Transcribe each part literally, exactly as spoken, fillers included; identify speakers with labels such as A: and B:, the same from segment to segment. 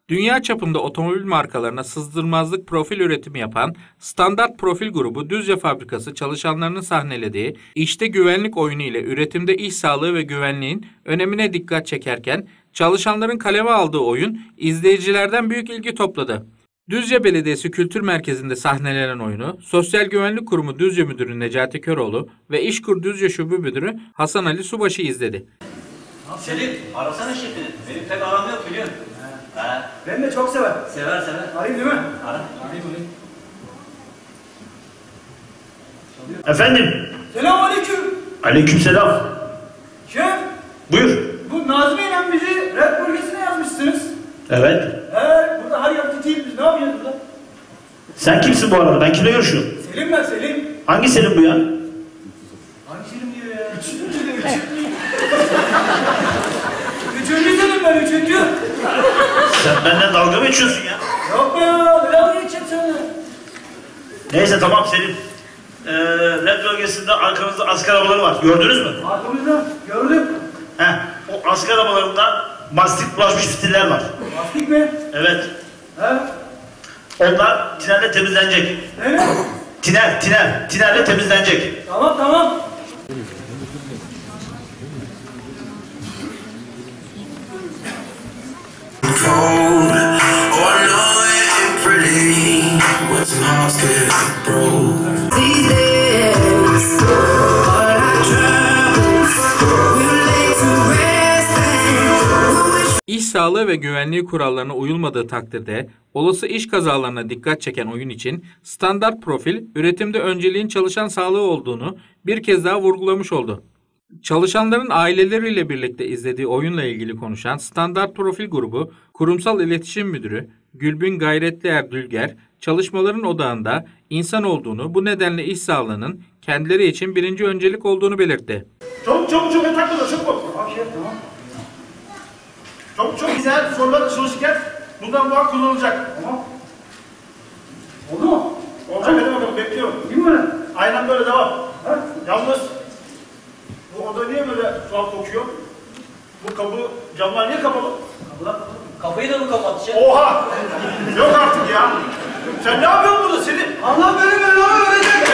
A: Dünya çapında otomobil markalarına sızdırmazlık profil üretimi yapan Standart Profil grubu Düzce fabrikası çalışanlarının sahnelediği işte güvenlik oyunu ile üretimde iş sağlığı ve güvenliğin önemine dikkat çekerken çalışanların kaleme aldığı oyun izleyicilerden büyük ilgi topladı. Düzce Belediyesi Kültür Merkezi'nde sahnelenen oyunu Sosyal Güvenlik Kurumu Düzce Müdürü Necati Köroğlu ve İşkur Düzce Şube Müdürü Hasan Ali Subaşı izledi.
B: Selim, arasana şefini. Benim pek aram yok biliyorsun. He. He.
C: Ben de çok sever.
B: Sever sever.
C: Arayayım değil mi?
B: Ara.
C: Arayayım arayayım.
D: Efendim?
C: Selamünaleyküm.
D: Aleykümselam.
C: Şef,
D: Buyur.
C: bu Nazmi ile bizi red bölgesine yazmışsınız.
D: Evet.
C: He, burada her yer titiyim biz. Ne yapıyoruz burada?
D: Sen kimsin bu arada? Ben kimle görüşüyorum?
C: Selim ben Selim.
D: Hangi Selim bu ya?
C: Hangi Selim diyor ya? Üçüncü de üçüncü. Üçüncü Selim ben üçüncü.
D: Sen benden dalga mı geçiyorsun ya?
C: Yok be ya, ne dalga geçeceğim seninle?
D: Neyse tamam Selim. Ee, red bölgesinde arkamızda asker arabaları var. Gördünüz mü?
C: Arkamızda gördüm.
D: Heh, o asker arabalarında mastik bulaşmış fitiller var.
C: Lastik mi?
D: Evet.
C: He?
D: Onlar tinerle temizlenecek.
C: Ne ne?
D: Tiner, tiner. Tinerle temizlenecek.
C: Tamam tamam.
A: İş sağlığı ve güvenliği kurallarına uyulmadığı takdirde olası iş kazalarına dikkat çeken oyun için Standart Profil, üretimde önceliğin çalışan sağlığı olduğunu bir kez daha vurgulamış oldu. Çalışanların aileleriyle birlikte izlediği oyunla ilgili konuşan Standart Profil grubu Kurumsal İletişim Müdürü Gülbin Gayretlier Dülger, çalışmaların odağında insan olduğunu, bu nedenle iş sağlığının kendileri için birinci öncelik olduğunu belirtti.
D: Çabuk çabuk çabuk takılır çabuk.
C: Tamam şef tamam.
D: Çok çok güzel sorular çalışırken bundan muhakkak kullanılacak.
C: Tamam. Oldu mu?
D: Olacak hadi bakalım bekliyorum.
C: Değil mi?
D: Aynen böyle devam.
C: Ha?
D: Yalnız bu oda niye böyle tuhaf kokuyor? Bu kapı, camlar niye kapalı?
B: Kapıdan kapıyı da mı kapattı şef?
D: Oha! Yok artık ya. Sen ne yapıyorsun burada Selim?
C: Allah beni belanı verecek.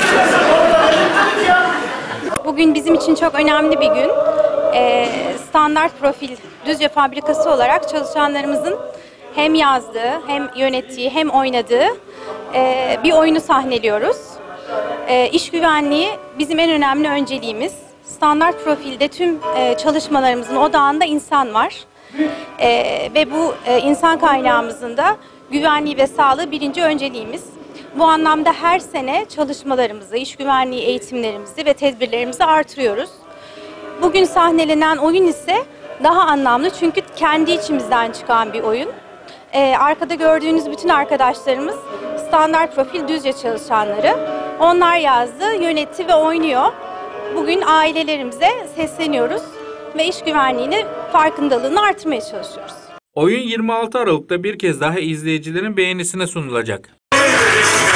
E: Bugün bizim için çok önemli bir gün. Ee, Standart Profil Düzce Fabrikası olarak çalışanlarımızın hem yazdığı, hem yönettiği, hem oynadığı e, bir oyunu sahneliyoruz. E, iş güvenliği bizim en önemli önceliğimiz. Standart Profil'de tüm e, çalışmalarımızın odağında insan var. E, ve bu e, insan kaynağımızın da güvenliği ve sağlığı birinci önceliğimiz. Bu anlamda her sene çalışmalarımızı, iş güvenliği eğitimlerimizi ve tedbirlerimizi artırıyoruz. Bugün sahnelenen oyun ise daha anlamlı çünkü kendi içimizden çıkan bir oyun. Ee, arkada gördüğünüz bütün arkadaşlarımız Standart Profil Düzce çalışanları. Onlar yazdı, yönetti ve oynuyor. Bugün ailelerimize sesleniyoruz ve iş güvenliğini farkındalığını artırmaya çalışıyoruz.
A: Oyun yirmi altı Aralık'ta bir kez daha izleyicilerin beğenisine sunulacak.